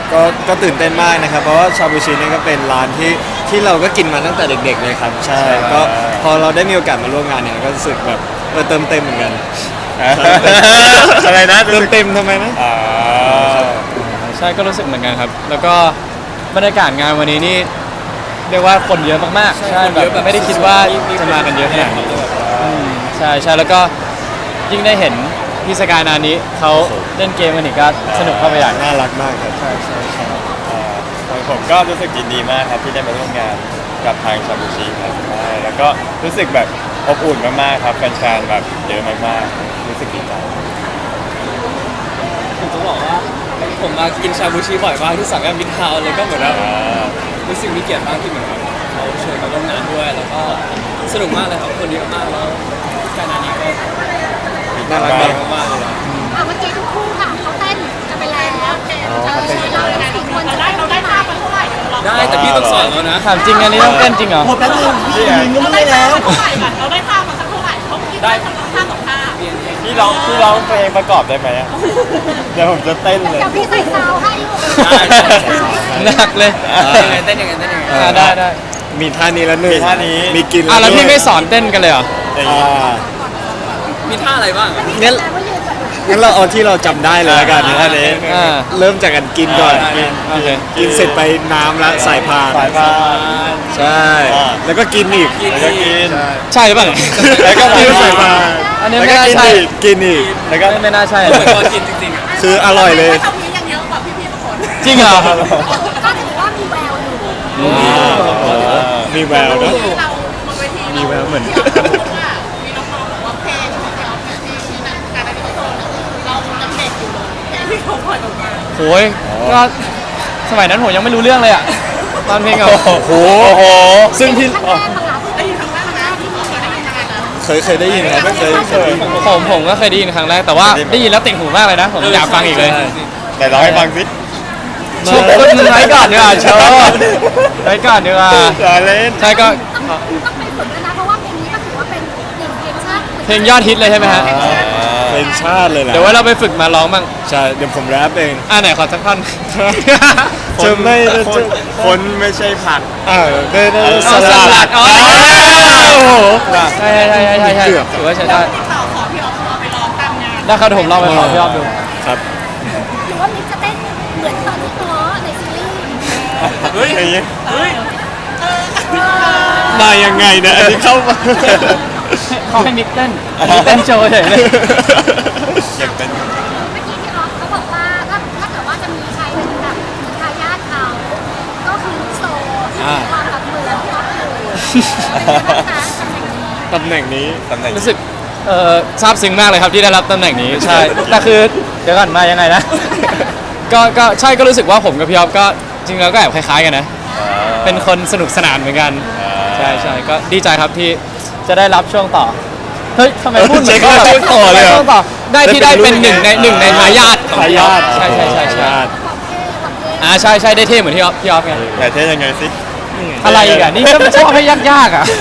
ก็ตื่นเต้นมากนะครับเพราะว่าชาบูชินี่ก็เป็นร้านที่เราก็กินมาตั้งแต่เด็กๆเลยครับใช่ก็พอเราได้มีโอกาสมาร่วมงานเนี่ยก็รู้สึกแบบเติมเต็มเหมือนกันอะไรนะเติมเต็มทำไมนะใช่ก็รู้สึกเหมือนกันครับ แล้วก็บรรยากาศงานวันนี้นี่เรียกว่าคนเยอะมากๆใช่แบบไม่ได้คิดว่าจะมากันเยอะขนาดนี้ใช่แล้วก็ยิ่งได้เห็นพี่สกายนานี้เขาเล่นเกมกันอีกก็สนุกเข้าไปใหญ่น่ารักมากครับใช่ผมก็รู้สึกยินดีมากครับที่ได้มาร่วมงานกับทางชาบูชิครับใช่แล้วก็รู้สึกแบบอบอุ่นมากๆครับแฟนๆแบบเยอะมากๆรู้สึกดีใจผมจะบอกว่าผมมากินชาบูชิบ่อยมากที่สามย่านมิตรทาวน์เลยก็เหมือนว่ารู้สึกมีเกียรติมากที่เหมือนแบบเขาเชิญมาร่วมงานด้วยแล้วก็สนุกมากเลยครับคนเยอะมากแล้วการงานนี้ก็น่ารักมากเลยเมื่อกี้ทุกคู่ค่ะเขาเต้นกันไปแล้วเรายังไงควรจะเราได้ภาพมาเท่าไหร่ได้แต่พี่ต้องสอนแล้วนะถามจริงอันนี้ต้องเต้นจริงเหรอหมดแล้วพี่ยืนก็ไม่ได้แล้วเท่าไหร่กันเราได้ภาพมาสักเท่าไหร่เขาได้ทำท่าต่อท่าพี่ร้องเพลงประกอบได้ไหมเดี๋ยวผมจะเต้นเลยเดี๋ยวพี่ใส่ซาวให้หนักเลยเต้นยังไงได้มีท่านี้แล้วหนึ่งมีท่านี้มีกินแล้วพี่ไม่สอนเต้นกันเลยเหรอมีท่าอะไรบ้างงั้นเราเอาที่เราจำได้เลยละกันท่านี้เริ่มจากการกินก่อนกินเสร็จไปน้ำละสายพานใช่แล้วก็กินอีกแล้วก็กินใช่หรือเปล่าแล้วก็กินสายพานอันนี้ไม่น่าใช่กินอีกแล้วก็ไม่น่าใช่กินจริงๆคืออร่อยเลยทำนี้ยังเยอะกว่าพี่ๆทุกคนจริงเหรอก็ถือว่ามีแววอยู่มีแววนะมีแววเหมือนมีน้องๆบอกว่าเพลงของเราที่นั่นการได้ที่โตเรายังเด็กอยู่เลยเพลงที่เขาปล่อยออกมาโอ้ยก็สมัยนั้นผมยังไม่รู้เรื่องเลยอะตอนเพลงอะโอ้โหซึ่งพี่เคยได้ยินครับไม่เคยผมก็เคยได้ยินครั้งแรกแต่ว่าได้ยินแล้วติดหูมากเลยนะผมอยากฟังอีกเลยแต่ร้องให้ฟังสิโชว์มึงไว้ก่อนดีกว่าโชว์ไว้ก่อนดีกว่าใช่ก็ต้องไปฝึกนะเพราะว่าเพลงนี้ก็ถือว่าเป็นหนึ่งเพลงชาติเพลงยอดฮิตเลยใช่ไหมฮะเพลงชาติเลยนะเดี๋ยวว่าเราไปฝึกมาร้องบ้างใช่เดี๋ยวผมแรปเองไหนขอสักท่อนจะไม่คนไม่ใช่ผักได้สลัดโอ้โหใช่ถือว่าใช้ได้ต่อขอพี่ออฟไปร้องตามงานได้ครับผมลองไปขอพี่ออฟดูครับหรือว่ามิกจะเต้นเหมือนตอนที่ง้อในซีรีส์เฮ้ยมายังไงนะอันนี้เข้ามาเขาให้มิกเต้นเต้นโชว์เฉยเลยอยากเต้นเมื่อกี้พี่ออฟเขาบอกว่าถ้าเกิดว่าจะมีใครเป็นแบบทายาทเขาก็คือโซที่มีความแบบเหมือนพี่ออฟเลยตำแหน่งนี้รู้สึกซาบซึ้งมากเลยครับที่ได้รับตำแหน่งนี้ใช่แต่คือเดี๋ยวก่อนมายังไงนะก็ใช่ก็รู้สึกว่าผมกับพี่ออฟก็จริงแล้วก็แอบคล้ายๆกันนะเป็นคนสนุกสนานเหมือนกันใช่ก็ดีใจครับที่จะได้รับช่วงต่อเฮ้ยทำไมพูดเหมือนก็แบบต่อเลยช่วงต่อได้ที่ได้เป็นหนึ่งในทายาทใช่ใช่ได้เท่เหมือนพี่ออฟไงแต่เท่ยังไงสิอะไรอีกอ่ะนี่ก็ชอบให้ยากอ่ะ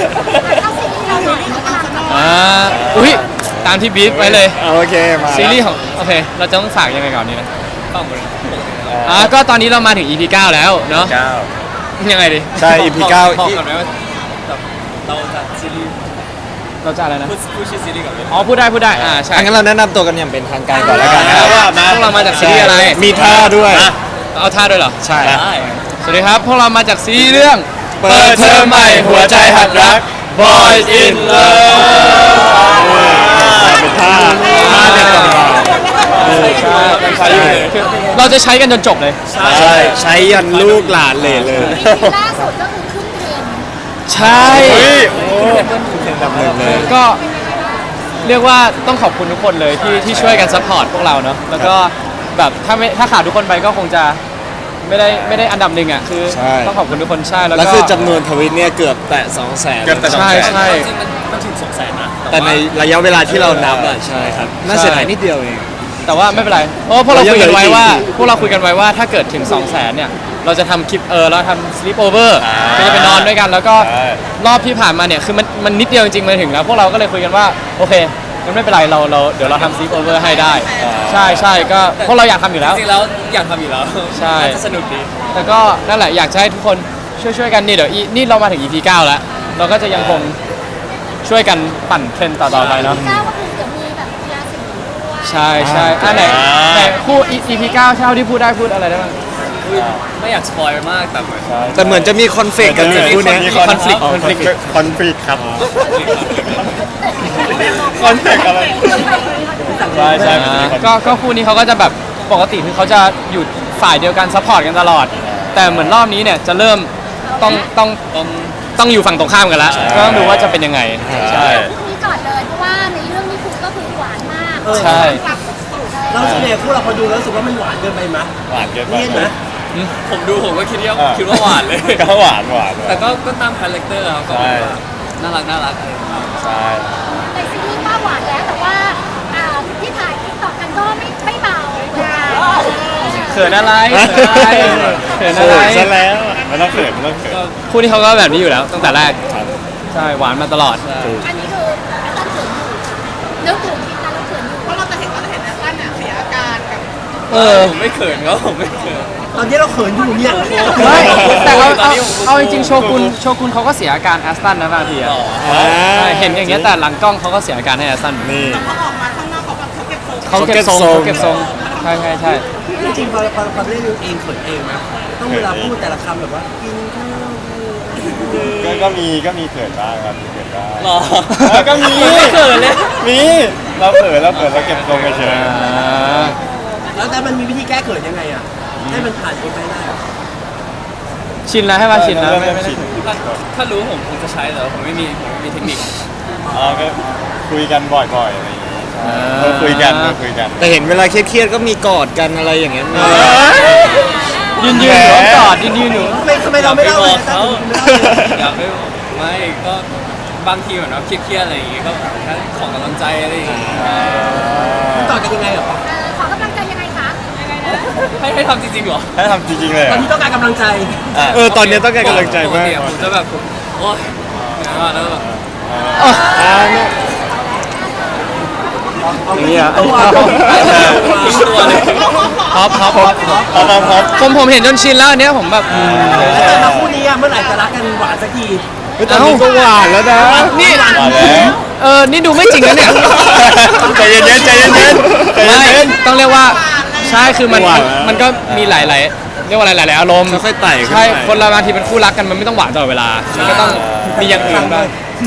อุ้ยตามที่บีฟไว้เลยโอเคมาซีรีส์ของโอเคเราจะต้องฝากยังไงก่อนนี่นะก็ตอนนี้เรามาถึง EP 9แล้วเนาะยังไงดิใช่ EP 9 บอกกันไหมว่าเราจะซีรีส์เราจะอะไรนะพูดชื่อซีรีส์ก่อนเลยพูดได้ใช่งั้นเราแนะนำตัวกันอย่างเป็นทางการก่อนแล้วกันนะว่าพวกเรามาจากซีรีส์อะไรมีท่าด้วยเอาท่าด้วยเหรอใช่สวัสดีครับพวกเรามาจากซีรีส์เรื่องเปิดเทอมใหม่หัวใจหัดรัก Boys in Love เป็นท่าเด็ดต่างๆเราจะใช้กันจนจบเลยใช้ยันลูกหลานเลยล่าสุดก็คือขึ้นเทรนใช่เลยก็เรียกว่าต้องขอบคุณทุกคนเลยที่ช่วยกันซัพพอร์ตพวกเราเนาะแล้วก็แบบถ้าขาดทุกคนไปก็คงจะไม่ได้อันดับหนึ่งอ่ะคือต้องขอบคุณทุกคนใช่แล้วคือจำนวนทวิตเนี่ยเกือบแตะ 200,000 ใช่จริงมันถึง 200,000 นะแต่ในระยะเวลาที่เรานับอ่ะใช่ครับน่าเสียดายนิดเดียวเองแต่ว่าไม่เป็นไรเพราะพวกเราคุยกันไว้ว่าถ้าเกิดถึง 200,000 เนี่ยเราจะทำคลิปเราทำ sleep over ก็จะไปนอนด้วยกันแล้วก็รอบที่ผ่านมาเนี่ยคือมันนิดเดียวจริงๆมาถึงแล้วพวกเราก็เลยคุยกันว่าโอเคงั้นไม่เป็นไรเราเดี๋ยวเราทำซีโอเวอร์ให้ได้ ใช่ใช่ก็พวกเราอยากทำอยู่แล้วจริงๆแล้วอยากทำอยู่แล้วใช่น่าจะสนุกดีแต่ก็นั่นแหละอยากจะให้ทุกคนช่วยกันนี่เดี๋ยวนี่เรามาถึง EP 9 แล้ว เราก็จะยังคงช่วยกันปั่นเทรนด์ต่อๆไปเนาะก้าวก็คือเดี๋ยวมีแบบกีฬาสีด้วยใช่ใช่อันไหนแต่คู่ EP 9เช่าที่พูดได้พูดอะไรได้บ้างอุ๊ยไม่อยากสปอยมากแต่เหมือนแต่เหมือนจะมีคอนเฟกต์กันอยู่คู่เนี้ยมีคอนฟ lict ครับคอนเฟกอะไรใช่ใช่มันจะมี conflict ก็คู่นี้เขาก็จะแบบปกติคือเขาจะอยู่ฝ่ายเดียวกันซัพพอร์ตกันตลอด แต่เหมือนรอบนี้เนี่ยจะเริ่มต้องอยู่ฝั่งตรงข้ามกันแล้วก็ต้องดูว่าจะเป็นยังไงใช่คู่นี้ก่อนเลยเพราะว่าในเรื่องนี้คุณก็คือหวานมากใช่รักสุดๆเลยเราส่วนใหญ่คู่เราพอดูแล้วรู้สึกว่ามันหวานเกินไปไหมหวานเกินไปเลี่ยนไหมผมดูผมก็คิดว่าหวานเลยก็หวานแต่ก็ตามคาแรคเตอร์ครับก็ใช่น่ารักอะไรอย่างเงี้ยใช่ในซีรีส์ว่าหวานแล้วแต่ว่าที่ถ่ายติ๊กต็อกกันก็ไม่เบาเหมือนกันเขินอะไรเขินอะไรซะแล้วไม่ต้องเขินไม่ต้องเขินคู่นี้เขาก็แบบนี้อยู่แล้วตั้งแต่แรกใช่หวานมาตลอดอันนี้คือตั้งเขินอยู่นึกถึงทีนั้นเราเขินอยู่เพราะเราจะเห็นตั้งเนี่ยเสียอาการกับผมไม่เขินก็ผมไม่เขินตอนนี้เราเขินอยู่เนี่ยไม่แต่ตอนนี้ผมเอาจริงๆโชกุนเขาก็เสียอาการแอสตันนะบางทีอะอ่าใช่เห็นอย่างเงี้ยแต่หลังกล้องเขาก็เสียอาการให้แอสตันนี่พอออกมาข้างนอกเขาแบบเขาเก็บโซนเขาเก็บทรงเขาเขาเก็เก็บบ ททรรง งใช่ใช่ใช่จริงๆพอเล่นเองเขินเองนะต้องเวลาพูดแต่ละคำแบบว่ากินข้าวก็มีเขินบ้างครับมีเขินบ้างหรอก็มีไม่เขินเลยมีเราเขินเราเก็บทรงเฉยแล้วแต่มันมีวิธีแก้เขินยังไงอ่ะให้มันผ่านไปได้อะชินแล้วให้มาชินแล้วเริ่มชินถ้ารู้ผมคงจะใช้แต่ว่าผมไม่มีเทคนิคก็คุยกันบ่อยๆอะไรอย่างงี้เราคุยกันแต่เห็นเวลาเครียดๆก็มีกอดกันอะไรอย่างเงี้ยมียืนอยู่กอดยืนอยู่ทำไมเราไม่เล่าเลยเขาตั้งอยากไม่ไม่ก็บางทีเหมือนว่าเครียดๆอะไรอย่างงี้ก็แค่ขอกำลังใจอะไรอย่างงี้ต่อกันยังไงเหรอขอกำลังใจยังไงคะยังไงนะให้ทำจริงๆเหรอให้ทำจริงๆเลยตอนนี้ต้องการกำลังใจตอนนี้ต้องการกำลังใจปกมากติอะผมจะแบบโอ๊ยแล้วแบบนี่อ่ะตัวทิ้งตัวเลยท็อป ผมเห็นจนชินแล้วอันเนี้ยผมแบบแต่มาคู่นี้เมื่อไหร่จะรักกันหวานสักทีตอนนี้ก็หวานแล้วนะนี่มาแล้วนี่ดูไม่จริงนะเนี่ยใจเย็นๆใจเย็นๆใจไม่เย็นต้องเรียกว่าใช่คือมันหวานมันก็มีหลายเรียกว่าหลายอารมณ์ค่อยๆไต่ขึ้นไปใช่คนเราบางทีเป็นคู่รักกันมันไม่ต้องหวานตลอดเวลามันก็ต้องมีอย่างอื่นบ้าง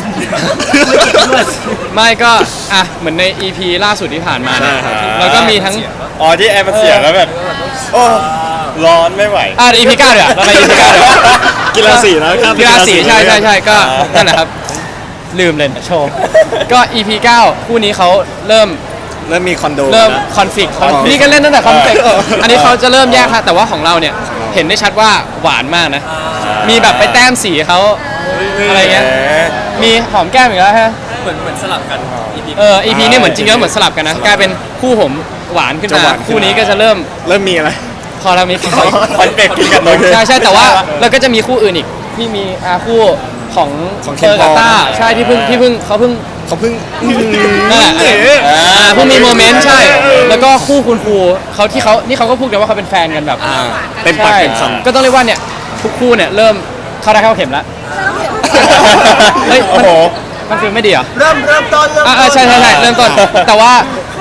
ไม่ก็เหมือนใน EP ล่าสุดที่ผ่านมาเนี่ยแล้วก็มีทั้งอ๋อที่แอร์มันเสียแล้วแบบโอ้ร้อนไม่ไหว EP 9เดี๋ยวเราไป EP 9เดี๋ยวกีฬาสีแล้วครับกีฬาสีใช่ก็นั่นแหละครับลืมเลยโชว์ก็ EP 9คู่นี้เขาเริ่มมีคอนโดเริ่มนะคอนฟ lict อ๋อนี่ก็เล่นตั้งแต่คอนฟ lict เอออันนี้เขาจะเริ่มแยกค่ะแต่ว่าของเราเนี่ยเห็นได้ชัดว่าหวานมากนะ มีแบบไปแต้มสีเขาอะไรเงี้ยมีหอมแก้มอีกแล้วฮะเหมือนสลับกัน EP EP นี่เหมือนจริงแล้วเหมือนสลับกันนะกลายเป็นคู่ผมหวานขึ้นจะมาหวานขึ้นคู่นี้ก็จะเริ่มมีอะไรพอเรามีคอนเฟกต์กินกันเลยใช่แต่ว่าเราก็จะมีคู่อื่นอีกที่มีคู่ของของเฟอร์กับ Ken Paul ต้าใช่ที่เพิ่งเขาเพิ่งเขาเพิ่งนั่นแหละเพิ่งมีโมเมนต์ใช่ แล้วก็คู่คุณครูเขานี่เขาก็พูดกันว่าเขาเป็นแฟนกันแบบเต็มปากใช่เต็มคำก็ต้องเรียกว่าเนี่ยทุกคู่เนี่ยเริ่มเข้าได้เข้าเข็มแล้วเฮ้ยโอ้โหมันคือไม่ดีเหรอเริ่มต้นใช่เริ่มต้นแต่ว่า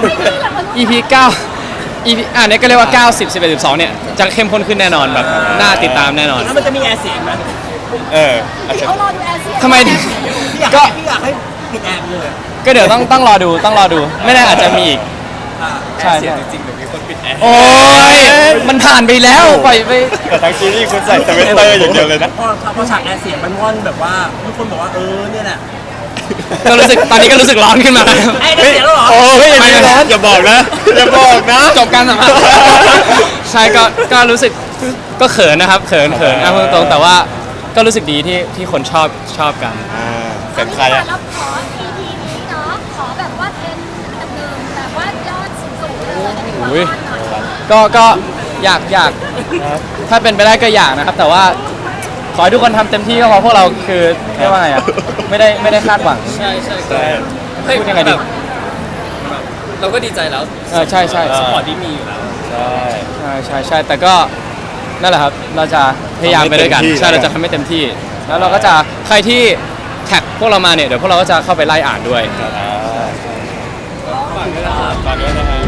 EP 9 EP เนี่ยก็เรียกว่า 90 11 12เนี่ยจะเข้มข้นขึ้นแน่นอนแบบน่าติดตามแน่นอนแล้วมันจะมีแอร์เสียงไหมอาจจะเขารอดูแอร์เซียทำไมพี่อยากให้ปิดแอร์ไปเลยก็เดี๋ยวต้องรอดูไม่แน่อาจจะมีอีก ใช่เสียจริงๆเดี๋ยวมีคนปิดแอร์โอ้ยมันผ่านไปแล้วปล่อยไปแต่ทั้งซีรีส์คุณใส่สเวตเตอร์อย่างเดียวเลยนะพอฉากแอร์เสียงมันว่อนแบบว่าทุกคนบอกว่าเนี่ยแหละก็รู้สึกตอนนี้ก็รู้สึกร้อนขึ้นมาแล้วไอ้ได้เสียงแล้วเหรอโอ้ยอย่ามีร้อนอย่าบอกนะอย่าบอกนะจบการสัมภาษณ์ใช่ก็รู้สึกก็เขินนะครับเขินพูดตรงๆแต่ว่าก็รู้สึกดีที่คนชอบกันเป็นใครอะเราขอ EP นี้เนาะขอแบบว่าเป็นอันดับหนึ่งแบบว่ายอดสูงๆเลยอันนี้ขออุ้ยพรหน่อยก็อยากถ้าเป็นไปได้ก็อยากนะครับ แต่ว่าขอให้ทุกคนทำเต็มที่ก็พอพวกเราคือเรียกว่าไงอ่ะไม่ได้คาดหวังใช่ใช่เฮ้ยพูดยังไงดีแบบเราก็ดีใจแล้วใช่ใช่สปอร์ตที่มีอยู่แล้วใช่ใช่แต่ก็นั่นแหละครับเราจะพยายามไปด้วยกันใช่เราจะทำให้เต็มที่ แล้วเราก็จะใครที่แท็กพวกเรามาเนี่ยเดี๋ยวพวกเราก็จะเข้าไปไล่อ่านด้วยอ่าฝากด้วยนะครับฝากด้วยนะฮะ